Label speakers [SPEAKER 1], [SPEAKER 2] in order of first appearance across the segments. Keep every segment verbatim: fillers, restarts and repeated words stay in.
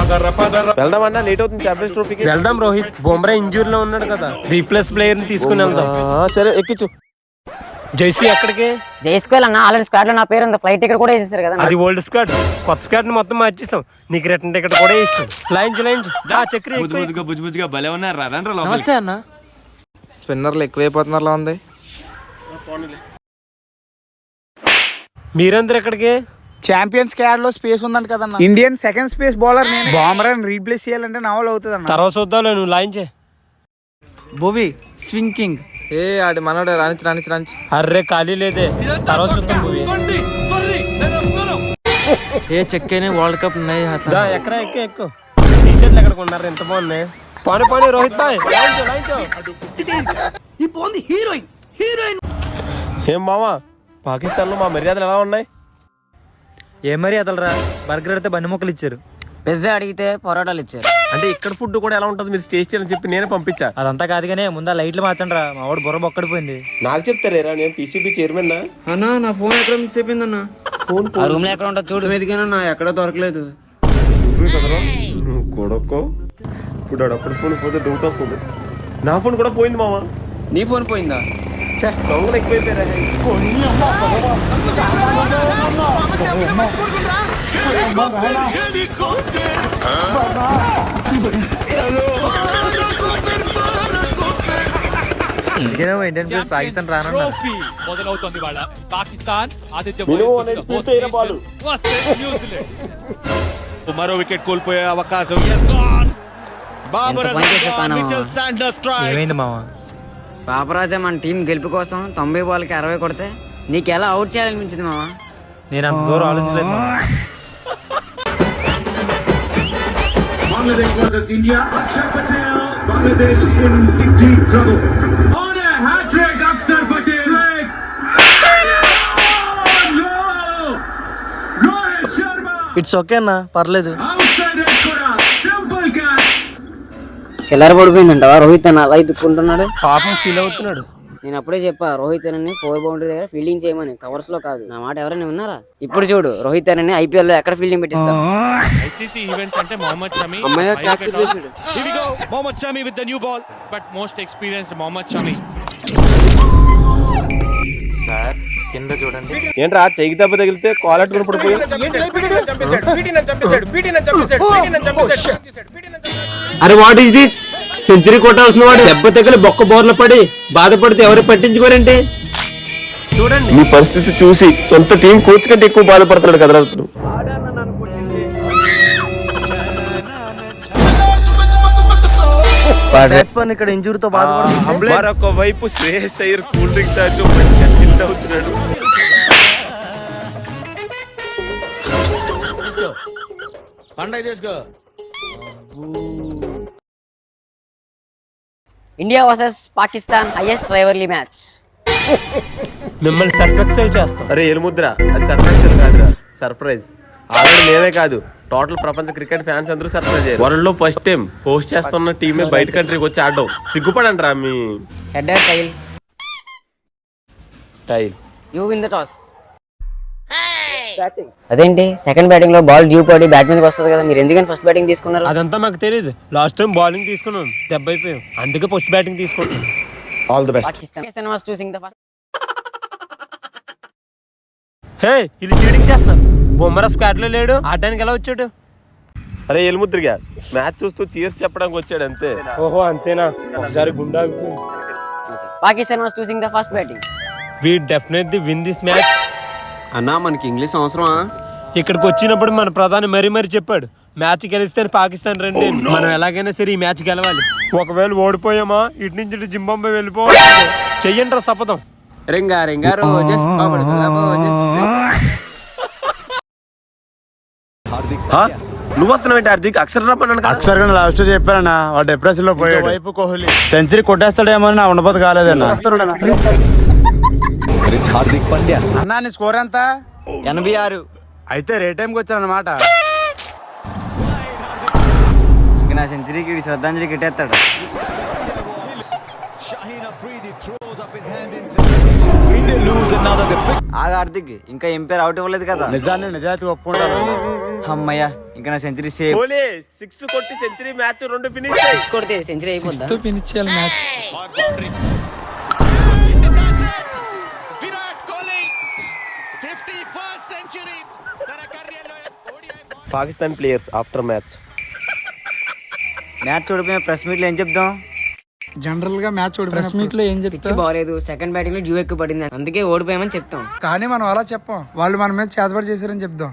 [SPEAKER 1] వెళ్దామన్నా late అవుతుంది champions ట్రోఫీకి.
[SPEAKER 2] వెళ్దాం Rohit, బొమ్రా injury లో ఉన్నాడు కదా, రీప్లేస్ ప్లేయర్ ని తీసుకుని వెళ్దాం.
[SPEAKER 1] సరే ఎక్కించు.
[SPEAKER 2] జైసీ ఎక్కడికి?
[SPEAKER 3] జైస్కోల్ అన్న ఆల్రెడీ స్క్వాడ్ లో నా పేరు ఉంది, ఫ్లైట్ టికెట్ కూడా వేసేసారు కదా.
[SPEAKER 2] అది ఓల్డ్ స్క్వాడ్, కొత్త స్క్వాడ్ ని మొత్తం మార్చేసాం, నీకు రిటర్న్ టికెట్ కూడా వేసాం. Lines lines Chakri.
[SPEAKER 4] నమస్తే అన్న. స్పిన్నర్లు ఎక్కువైపోతున్నారు ఉంది.
[SPEAKER 2] మీరందరూ ఎక్కడికి?
[SPEAKER 5] ఛాంపియన్స్ క్యాడ్ లో స్పేస్ ఉందంట కదన్న. ఇండియన్ సెకండ్ స్పేస్ బౌలర్ నేను. బొమ్రాని రీప్లేస్ చేయాలంటే నవల్ అవుతుంది అన్న.
[SPEAKER 2] తర్వాత చూద్దాం, నువ్వు లైన్ చే.
[SPEAKER 4] భువి స్వింకింగ్. ఏ ఆడి మనోడు రానిచ్చి రానిచ్చి రానిచ్చి.
[SPEAKER 2] అర్రే ఖాళీ లేదే, తర్వాత చూద్దాం. మూవీ
[SPEAKER 4] ఏ చెక్కనే వరల్డ్ కప్ ఉన్నాయి.
[SPEAKER 2] ఎక్కడ ఎక్కువ ఎక్కువ టీ షర్ట్లు ఎక్కడ కొన్నారు, ఎంత బాగున్నాయి. పాని పాని రోహిత్ బాయ్.
[SPEAKER 1] ఏం మామా, పాకిస్తాన్ లో మా మర్యాదలు ఎలా ఉన్నాయి?
[SPEAKER 5] ఏ మర్యాదలు రా, బర్గర్ అయితే బండి మొక్కలు ఇచ్చారు,
[SPEAKER 3] పిజ్జా అడిగితే పొరోటాలు ఇచ్చారు.
[SPEAKER 1] అంటే ఇక్కడ ఫుడ్ కూడా ఎలా ఉంటుంది మీరు టేస్ట్ చేయాలని చెప్పి నేనే పంపించా.
[SPEAKER 5] అదంతా కాదు కానీ ముందా లైట్లు మార్చండి రా, మా వాడు బుర్ర బొక్కడిపోయింది.
[SPEAKER 1] నాకు చెప్తారేరా, నేను పీసీబీ చైర్మన్.
[SPEAKER 4] అన్నా నా ఫోన్ ఎక్కడ మిస్ అయిపోయిందన్నా.
[SPEAKER 3] ఆ రూమ్ లో ఎక్కడ ఉంటుంది చూడు.
[SPEAKER 4] ఎదిగానన్నా, ఎక్కడ దొరకలేదు.
[SPEAKER 1] కొడకో ఇప్పుడు అప్పుడు ఫోన్ పోతే డౌట్ వస్తుంది. నా ఫోన్ కూడా పోయింది మామా.
[SPEAKER 4] నీ ఫోన్ పోయిందా?
[SPEAKER 1] దొంగలు ఎక్కువైపోయారా.
[SPEAKER 5] ఇండియన్ ప్లేస్ పాకిస్తాన్ రానున్నా.
[SPEAKER 6] మొదలవుతుంది వాళ్ళ పాకిస్తాన్ ఆతిథ్య మరో వికెట్ కోల్పోయే అవకాశం.
[SPEAKER 5] ఏమైంది మామా?
[SPEAKER 3] పాపరాజా మన టీం గెలుపు కోసం తొంభై బాల్కి అరవై కొడితే నీకు ఎలా అవుట్ చేయాలనిపించింది మామా?
[SPEAKER 5] నేను అంత దూరం ఆలోచించలేదు మామా.
[SPEAKER 7] Bangladesh versus India. Akshar Patel, Bangladesh in deep, deep trouble. On a hat trick, Akshar Patel. Oh, no! Rohit Sharma.
[SPEAKER 5] It's okay అన్న, పర్లేదు.
[SPEAKER 7] Outside edge kuda, simple catch.
[SPEAKER 3] చిల్లర పడిపోయిందంటవా రోహిత్ అన్న అలా ఇద్దుకుంటున్నాడు?
[SPEAKER 2] పాపం ఫీల్ అవుతున్నాడు.
[SPEAKER 3] నేను అప్పుడే చెప్పా రోహిత్ అని ఫోర్ బౌండరీ దగ్గర ఫీల్డింగ్ చేయమని, కవర్స్ లో కాదు. నా మాట ఎవరైనా విన్నారా? ఇప్పుడు చూడు రోహిత్ అని ఐపీఎల్ లో ఎక్కడ ఫీల్డింగ్ పెట్టిస్తారు.
[SPEAKER 6] ఐసీసీ ఈవెంట్స్ అంటే మొహమ్మద్ షమి.
[SPEAKER 4] అమ్మయ్య క్యాచ్ చేసాడు.
[SPEAKER 6] Here we go, Mohammed Shami with the new ball, but most experienced Mohammed Shami.
[SPEAKER 4] Sir కింద చూడండి.
[SPEAKER 1] ఏంట్రా చెయ్యి దెబ్బ తగిలితే కాలర్ కూడా పడిపోయి.
[SPEAKER 2] అరే వాట్ ఇస్ దిస్? సెంచరీ కొట్టాల్సిన వాడు దెబ్బ తగిలి బొక్క బోర్ల పడి బాధపడితే ఎవరు పట్టించుకోరండి. చూడండి
[SPEAKER 1] నీ పరిస్థితి చూసి సొంత టీం కోచ్ కంటే ఎక్కువ బాధపడుతున్నాడు కదరా అతను.
[SPEAKER 5] ఇక్కడ ఇంజూరీతో బాధపడుతుంది.
[SPEAKER 1] మరొక వైపు శ్రేయస్ అయ్యర్ కూల్ డ్రింక్ తాగుతూ మంచిగా చిల్ అవుతున్నాడు.
[SPEAKER 3] India versus Pakistan highest rivalry match.
[SPEAKER 2] మిమ్మల్ని సర్ఫెక్సెల్ చేస్తాం.
[SPEAKER 1] అరే ఎలుముద్ర, అది సర్ప్రైజ్ కాదురా, సర్ప్రైజ్. ఆల్రెడీ మేమే కాదు, టోటల్ ప్రపంచ క్రికెట్ ఫ్యాన్స్ అందరూ సర్ప్రైజ్ అయ్యారు. వరల్డ్ లో ఫస్ట్ టైం హోస్ట్ చేస్తున్న టీమే బయట కంట్రీకి వచ్చి ఆడడం సిగ్గుపడండి. మీ
[SPEAKER 3] head or tail
[SPEAKER 1] tail
[SPEAKER 3] you win the toss. అదేంటి సెకండ్ బ్యాటింగ్ లో బాల్ డ్యూ పడి బ్యాట్ మీదకి వస్తుంది కదా, మీరు ఎందుకని ఫస్ట్ బ్యాటింగ్ తీసుకున్నారు?
[SPEAKER 2] అదంతా మాకు తెలియదు. లాస్ట్ టైం బౌలింగ్ తీసుకున్నాం, దెబ్బ అయిపోయాం, అందుకే ఫస్ట్ బ్యాటింగ్ తీసుకున్నాం.
[SPEAKER 1] All the best.
[SPEAKER 3] Pakistan was choosing the first.
[SPEAKER 2] Hey వీళ్ళు చీటింగ్ చేస్తున్నారు. బొమ్మరా స్క్వాడ్ లో లేడు, ఆడడానికి ఎలా వచ్చాడు?
[SPEAKER 1] అరే ఎలుముద్రిగా మ్యాచ్ చూస్తూ చీర్స్ చెప్పడానికి వచ్చాడు అంతే.
[SPEAKER 2] ఓహో అంతేనా? ఒకసారి గుండా.
[SPEAKER 3] Pakistan was choosing the first batting.
[SPEAKER 2] We definitely win this match.
[SPEAKER 4] అన్నా మనకి ఇంగ్లీష్ అవసరమా?
[SPEAKER 2] ఇక్కడికి వచ్చినప్పుడు మన ప్రధాని మరీ మరీ చెప్పాడు, మ్యాచ్ గెలిస్తే పాకిస్తాన్ రండి, మనం ఎలాగైనా సరే ఈ మ్యాచ్ గెలవాలి. ఒకవేళ ఓడిపోయామా ఇటు నుంచి ఇటు జింబాబ్వే వెళ్ళిపోవాలి. చెయ్యండి రా శపథం.
[SPEAKER 4] రింగా రింగా రోజెస్ బాబడి రోజెస్.
[SPEAKER 1] నువ్వు వస్తున్నావు హార్దిక్? అక్షర్ రమ్మన్నాను.
[SPEAKER 5] అక్షర్ గారు లాస్ట్ చెప్పారన్నా, వాడు డిప్రెషన్ లో పోయాడు. వైపు కోహ్లీ సెంచరీ కొట్టేస్తాడేమో నా ఉండబోదు కాలేదన్నా.
[SPEAKER 8] హార్దిక్ పాండ్యా
[SPEAKER 5] అన్నా నీ స్కోర్ ఎంత?
[SPEAKER 4] ఎనభై ఆరు.
[SPEAKER 5] అయితే రే టైంకి వచ్చారన్నమాట.
[SPEAKER 4] ఇంక నా సెంచరీకి శ్రద్ధాంజలి కిట్టేస్తాడు. ఆగా హార్దిక్ ఇంకా ఎంపైర్ అవుట్ ఇవ్వలేదు కదా.
[SPEAKER 5] నిజాన్ని నిజాయితీ ఒప్పుకుంటారు.
[SPEAKER 4] అమ్మయ్యా ఇంకా నా సెంచరీ సేవ్.
[SPEAKER 1] ఓలే సిక్స్ కొట్టి సెంచరీ మ్యాచ్ రెండు ఫినిష్
[SPEAKER 3] సిక్స్ కొడితే సెంచరీ అయిపోద్దా?
[SPEAKER 5] ఫినిష్ చేయాలి match.
[SPEAKER 6] Virat Kohli, fifty-first century. తన career-లో O D I ball.
[SPEAKER 1] Pakistan players after match.
[SPEAKER 4] Match చూడిపోయిన ప్రెస్ మీట్ లో ఏం చెప్దాం?
[SPEAKER 5] జనరల్ గా మ్యాచ్ ప్రెస్ మీట్ లో ఏం
[SPEAKER 3] పిచ్చి
[SPEAKER 5] చెప్తాం?
[SPEAKER 3] బాగాలేదు, సెకండ్ బ్యాటింగ్ లో డ్యూ ఎక్కువ పడింది, అందుకే ఓడిపోయామని చెప్తాం.
[SPEAKER 5] కానీ మనం అలా చెప్పాం, వాళ్ళు మన మీద చేతబడి చేశారని చెప్దాం.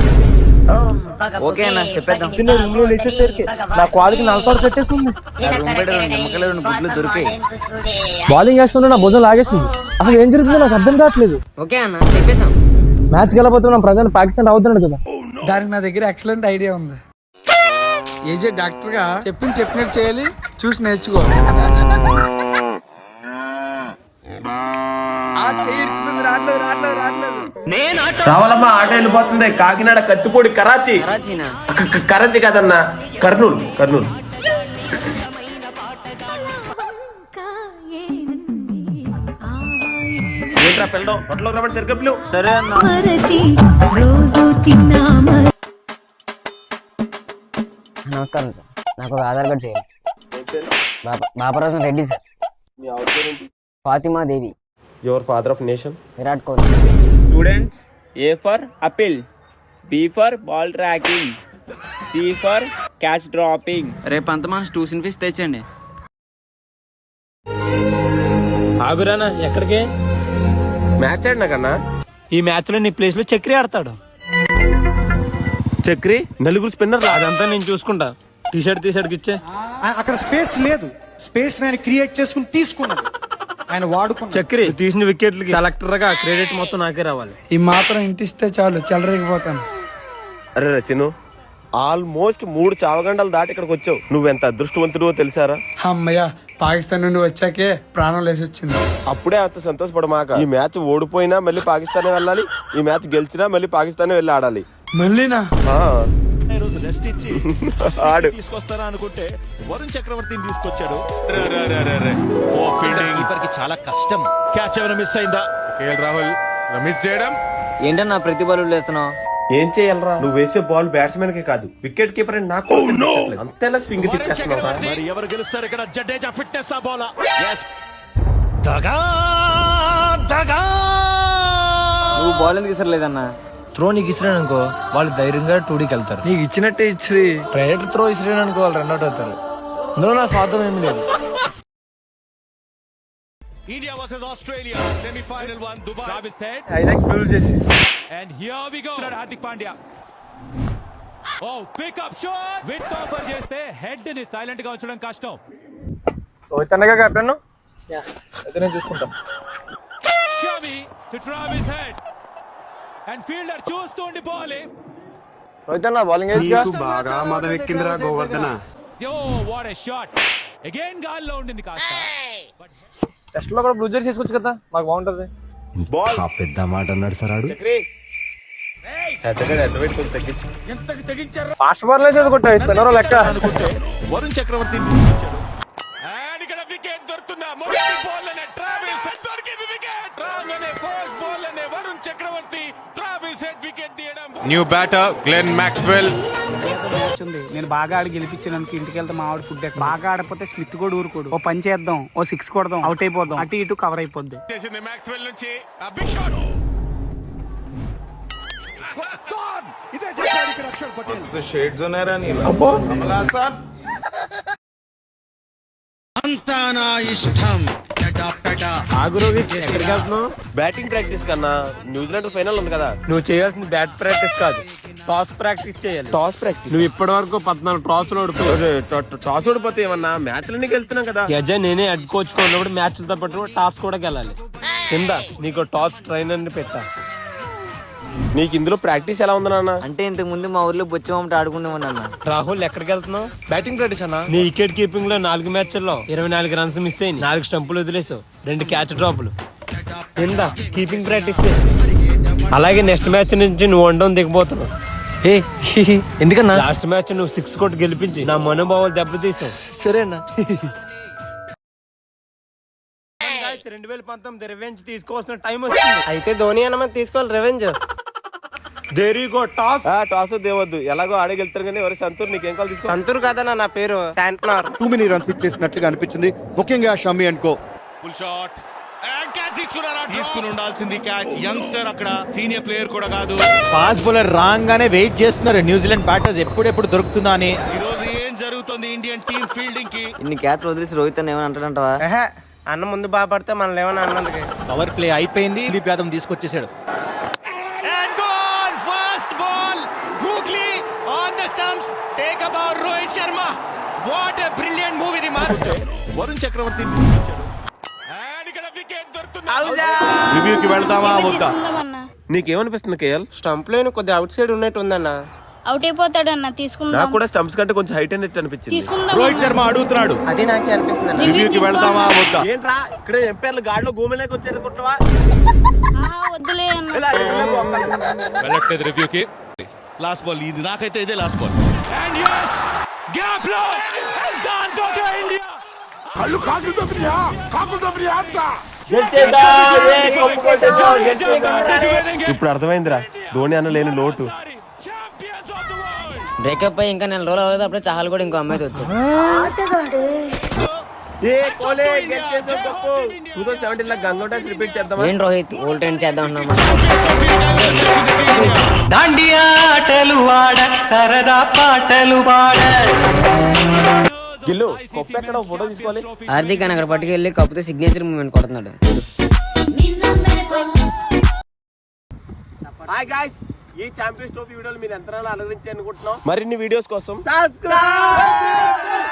[SPEAKER 4] ఓకే అన్న చెప్పేద్దాం.
[SPEAKER 2] నా క్వాలిటీ నలసోడు పెట్టేస్తుంది.
[SPEAKER 4] నిమ్మకాయలు రెండు గుడ్లు దొరికాయి.
[SPEAKER 2] బౌలింగ్ వేస్తుంటే నా భుజం లాగేస్తుంది. అసలు ఏం జరుగుతుందో నాకు అర్థం కావట్లేదు.
[SPEAKER 3] ఓకే అన్న చెప్పేసాం.
[SPEAKER 2] మ్యాచ్ గెలబోతున్నాం, ప్రజెంట్ పాకిస్తాన్ అవుతున్నాడు కదా.
[SPEAKER 5] దానికి నా దగ్గర ఎక్సలెంట్ ఐడియా ఉంది. ఏజే డాక్టర్ గా చెప్పింది చెప్పినట్టు చేయాలి, చూసి నేర్చుకో. ఆ చెయ్యి ఇరుక్కుపోయింది, రావట్లేదు రావట్లేదు రావట్లేదు.
[SPEAKER 1] రావాలమ్మా, ఆట వెళ్ళిపోతుంది. కాకినాడ, కత్తిపూడి, కరాచీ.
[SPEAKER 3] కరాచీనా?
[SPEAKER 1] క- క- కరాచీ కాదన్నా, కర్నూలు కర్నూలు. ఏంట్రా పిల్లడం హోటల్లో రమ్మని సరిగ్గా పిలువు.
[SPEAKER 4] సరే అన్న.
[SPEAKER 3] నమస్కారం సార్, నాకు ఒక ఆధార్ కార్డ్ చేయాలి. బాప- బాపరాజం Reddy sir. Fatima Devi.
[SPEAKER 1] Your father of nation.
[SPEAKER 3] Virat Kohli.
[SPEAKER 8] Students, A for apple, B for ball tracking, C for catch dropping.
[SPEAKER 4] రేపు అంత మన ట్యూషన్ ఫీజు తెచ్చండి.
[SPEAKER 2] ఆగురానా ఎక్కడికి?
[SPEAKER 1] మ్యాచ్ ఆడినా కన్నా
[SPEAKER 2] ఈ మ్యాచ్ లో నీ ప్లేస్ లో చక్రి ఆడతాడు.
[SPEAKER 1] చక్రి నలుగురు స్పిన్నర్.
[SPEAKER 2] అదంతా నేను చూసుకుంటా. టీ షర్ట్ టీ షర్ట్ ఇచ్చే.
[SPEAKER 9] అక్కడ స్పేస్ లేదు, స్పేస్ నేను క్రియేట్ చేసుకుని తీసుకున్నాను, ఆయన వాడుకున్నాను.
[SPEAKER 2] చక్రి తీసిన వికెట్లకి సెలెక్టర్ గా క్రెడిట్ మొత్తం నాకే రావాలి.
[SPEAKER 5] ఈ మాత్రం ఇంటిస్తే చాలు, చెలరేగిపోతాను.
[SPEAKER 1] అరే రచిను, ఆల్మోస్ట్ మూడు చావగంటలు దాటి ఇక్కడికి వచ్చావు. నువ్వెంత అదృష్టవంతుడో తెలుసారా?
[SPEAKER 5] అమ్మయ్య, పాకిస్తాన్ నుండి వచ్చాకే ప్రాణం లేసి వచ్చింది.
[SPEAKER 1] అప్పుడే అంత సంతోషపడమాక. ఈ మ్యాచ్ ఓడిపోయినా మళ్ళీ పాకిస్తానే వెళ్ళాలి, ఈ మ్యాచ్ గెలిచినా మళ్ళీ పాకిస్తానే వెళ్ళి ఆడాలి.
[SPEAKER 5] మళ్ళీనా?
[SPEAKER 1] ఆ,
[SPEAKER 7] ఈ రోజు రెస్ట్ ఇచ్చి
[SPEAKER 1] ఆడు.
[SPEAKER 7] తీసుకొస్తారా అనుకుంటే వరుణ్ చక్రవర్తిని తీసుకొచ్చాడు. రే, రే, రే, రే, రే. ఓ ఫీల్డింగ్ కీపర్ కి చాలా కష్టం. క్యాచ్ ఏమైనా మిస్ అయిందా?
[SPEAKER 6] రాహుల్ మిస్ చేయడం.
[SPEAKER 4] ఏంటన్నా ప్రతి బాల్ వేస్తున్నావు?
[SPEAKER 1] ఏం చేయాలరా? నువ్వు వేసే బాల్ బ్యాట్స్మెన్ కే కాదు, వికెట్ కీపర్ అని నాకు కూడా కనిపించట్లేదు. అంతేలా స్వింగ్ తిప్పేస్తున్నావురా.
[SPEAKER 7] మరి ఎవరు గెలుస్తారు ఇక్కడ? జడేజా ఫిట్నెస్ ఆ బాల్.
[SPEAKER 4] నువ్వు బాల్ ఎందుకు ఇసరలేదన్నా?
[SPEAKER 10] త్రో నీకు ఇసిరాను అనుకో, వాళ్ళు ధైర్యంగా టూడీకి వెళ్తారు. నీకు ఇచ్చినట్టే ఇచ్చి ప్రైవేట్ త్రో ఇసిరాను అనుకో, వాళ్ళు రన్అట్ అవుతారు. ఇందులో నా స్వార్థం ఏమి లేదు.
[SPEAKER 6] India versus Australia, semi-final one, Dubai. Travis head. And here we go. Hardik Pandya. Oh, pick up shot. With topper చేస్తే హెడ్ ని సైలెంట్ గా ఉంచడం కష్టం.
[SPEAKER 2] కెప్టెన్ అయితే నేను చూసుకుంటా.
[SPEAKER 6] Shami to Travis head. And fielder చూస్తూ ఉండిపోవాలి.
[SPEAKER 2] రోహిత్ అన్న బౌలింగ్ వేసి
[SPEAKER 6] బాగా మదం ఎక్కిందిరా Govardhana. Oh, what a shot. Again గాల్లో ఉండింది కాస్త.
[SPEAKER 2] టెస్ట్ లో కూడా బ్లూ జెర్సీ తీసుకోవచ్చు కదా, మాకు బాగుంటది.
[SPEAKER 1] బాల్
[SPEAKER 10] పెద్ద మాట అన్నాడు సార్.
[SPEAKER 1] చక్రి హెడ్ గా హెడ్ వెయిట్ కొంచెం తగ్గించు.
[SPEAKER 2] ఫాస్ట్ బాల్ వేసేది కొట్టాయి స్పిన్నర్ లెక్క.
[SPEAKER 7] అనుకుంటే వరుణ్ చక్రవర్తిని తీసుకొచ్చాడు.
[SPEAKER 6] And ఇక్కడ వికెట్ దొరుకుతుందా? మొదటి బాల్ లోనే ట్రావిస్ హెడ్ దొరికింది. వికెట్ రాగానే ఫస్ట్ బాల్ లోనే Varun Chakravarthy Travis Head wicket తీయడం. New batter Glenn Maxwell.
[SPEAKER 5] Match ఉంది, నేను బాగా ఆడి గెలిపించాను అనుకో, ఇంటికి వెళ్తే మా ఆవిడ ఫుడ్ బాగా ఆడపోతే స్మిత్ కూడా ఊరుకోడు. ఓ పని చేద్దాం, ఓ సిక్స్ కొడదాం, అవుట్ అయిపోదాం, అటు ఇటు కవర్ అయిపోద్ది.
[SPEAKER 6] చేసింది మాక్స్వెల్ నుంచి ఆ బిగ్ షాట్.
[SPEAKER 7] ఇదే చేశాడు ఇక్కడ అక్షర్ పటేల్.
[SPEAKER 1] షేడ్స్ ఉన్నారా నీ?
[SPEAKER 2] ఆగు రోహిత్, ఎక్కడికి వెళ్తున్నావు?
[SPEAKER 1] బ్యాటింగ్ ప్రాక్టీస్ కన్నా న్యూజిలాండ్ ఫైనల్ ఉంది కదా.
[SPEAKER 2] నువ్వు చేయాల్సింది బ్యాట్ ప్రాక్టీస్ కాదు, టాస్ ప్రాక్టీస్ చేయాలి.
[SPEAKER 1] Toss practice.
[SPEAKER 2] నువ్వు ఇప్పటి వరకు పద్నాలుగు టాస్ ఓడిపోయావు.
[SPEAKER 1] టాస్ ఓడిపోతే ఏమన్నా మ్యాచ్లన్నీ గెలుతున్నాం కదా.
[SPEAKER 2] యజ నేనే హెడ్ కోచ్ ఉన్నప్పుడు మ్యాచ్లతో పాటు టాస్ కూడా గెలాలి. కింద నీకు టాస్ ట్రైనర్ ని పెట్టా.
[SPEAKER 1] నీకు ఇందులో ప్రాక్టీస్ ఎలా ఉంది నాన్న?
[SPEAKER 4] అంటే ఇంతకు ముందు మా ఊర్లో బొచ్చమమ్మట ఆడుకునేవాడిని అన్న.
[SPEAKER 2] రాహుల్ ఎక్కడికి వెళ్తున్నావు? బ్యాటింగ్ ప్రాక్టీస్ అన్న. నీ వికెట్ కీపింగ్ లో నాలుగు మ్యాచ్ల్లో ఇరవై నాలుగు రన్స్ మిస్ అయ్యి, నాలుగు స్టంపులు వదిలేసావు, రెండు క్యాచ్ డ్రాపులు. కింద కీపింగ్ ప్రాక్టీస్. అలాగే నెక్స్ట్ మ్యాచ్ నుంచి నువ్వు వండడం దిగిపోతున్నావు.
[SPEAKER 10] ఏ ఎందుకన్నా?
[SPEAKER 2] లాస్ట్ మ్యాచ్ నువ్వు సిక్స్ కొట్టి గెలిపించి నా మనోభావాలు దెబ్బతీసావు.
[SPEAKER 10] సరేనా?
[SPEAKER 2] రెండు వేల పంతొమ్మిది రివెంజ్ తీసుకోవాల్సిన టైం వస్తుంది.
[SPEAKER 10] అయితే ధోని అన్న తీసుకోవాలి revenge.
[SPEAKER 2] There you go toss.
[SPEAKER 1] Toss దేవద్దు, ఎలాగో ఆడే గెలుతారు కానీ ఎవరు సంతూర్ నీకేం కాల్ తీసుకో.
[SPEAKER 5] సంతూర్ కాదన్న నా పేరు శాంట్నర్.
[SPEAKER 9] టూ మెనీ రన్స్ ఇచ్చేసినట్లుగా అనిపించింది, ముఖ్యంగా Shami and co.
[SPEAKER 6] Full shot and catch తీసుకున్నారా? తీసుకుని ఉండాల్సింది క్యాచ్. యంగ్స్టర్ అక్కడ, సీనియర్ ప్లేయర్ కూడా కాదు.
[SPEAKER 10] ఫాస్ట్ బౌలర్ రాగానే వెయిట్ చేస్తున్నారు న్యూజిలాండ్ బ్యాటర్స్ ఎప్పుడెప్పుడు దొరుకుతుందా అని.
[SPEAKER 6] ఈ రోజు ఏం జరుగుతుంది ఇండియన్ టీమ్ ఫీల్డింగ్ కి?
[SPEAKER 3] ఇన్ని క్యాచ్లు వదిలేసి రోహిత్ అని ఏమని అంటాడంటావా?
[SPEAKER 5] అన్న ముందు బాగా పడితే మనల్ని ఏమన్నా అన్నందుకే.
[SPEAKER 10] పవర్ ప్లే అయిపోయింది, Dilip Yadav తీసుకొచ్చేసాడు.
[SPEAKER 6] And goal! First ball, Googly on the stumps. Take about Rohit Sharma. What a brilliant move ఇది man. వరుణ్ చక్రవర్తి తీసుకొచ్చాడు. And ఇక్కడ వికెట్ దొరుకుతుంది. రివ్యూకి వెళ్దామా వద్దా?
[SPEAKER 1] నీకేమనిపిస్తుంది కేఎల్?
[SPEAKER 5] స్టంప్ లైన్ కొద్దిగా అవుట్ సైడ్ ఉన్నట్టు ఉందన్న.
[SPEAKER 11] అవుట్ అయిపోతాడన్న, తీసుకుందాం.
[SPEAKER 1] నాకు కూడా స్టంప్స్ కంటే కొంచెం హైట్ అనేది అనిపించింది.
[SPEAKER 11] తీసుకుందాం.
[SPEAKER 6] రోహిత్ శర్మ అడుగుతున్నాడు.
[SPEAKER 5] అది నాకే అనిపిస్తుంది.
[SPEAKER 6] రివ్యూకి వెళ్దామా వద్దా?
[SPEAKER 1] ఏంట్రా ఇక్కడ ఎంపైర్లు గాడిలో గోమెలేకి వచ్చారు కుట్టవా?
[SPEAKER 11] ఆహా, వద్దులే అన్న.
[SPEAKER 6] వెళ్ళట్లేదు రివ్యూకి. లాస్ట్ బాల్ ఇది, నాకైతే ఇదే last ball. And yes, gap లో దాన్ తో ఇండియా.
[SPEAKER 7] కళ్ళు కాకులు దొబ్బియా కాకులు దొబ్బియా అంతా.
[SPEAKER 1] ఇప్పుడు అర్థమైందిరా ధోని అన్న లేని లోటు.
[SPEAKER 3] బ్రేకప్ అయ్యి ఇంకా నెల రోజులు అవ్వలేదు, అప్పుడే చాలు కూడా ఇంకో అమ్మాయితో వచ్చాడు.
[SPEAKER 1] టూ థౌసండ్ సెవెంటీన్ లా గంగోటా రిపీట్ చేద్దామా?
[SPEAKER 3] ఏం రోహిత్ ఓల్డ్ ట్రెండ్ చేద్దాం అన్నామా?
[SPEAKER 2] దాండియా ఆటలు ఆడ, సరదా పాటలు పాడ.
[SPEAKER 1] గిల్లు కొప్ప ఎక్కడ ఫోటో తీసుకోవాలి.
[SPEAKER 3] హార్దిక్ అని అక్కడ పట్టుకెళ్ళి కప్పుతో సిగ్నేచర్ మూమెంట్ కొడుతున్నాడు.
[SPEAKER 1] హాయ్ గైస్, ఈ ఛాంపియన్స్ ట్రోఫీ వీడియోలు మీరు ఎంత అలరించి అనుకుంటున్నాం. మరిన్ని వీడియోస్ కోసం సబ్స్క్రైబ్.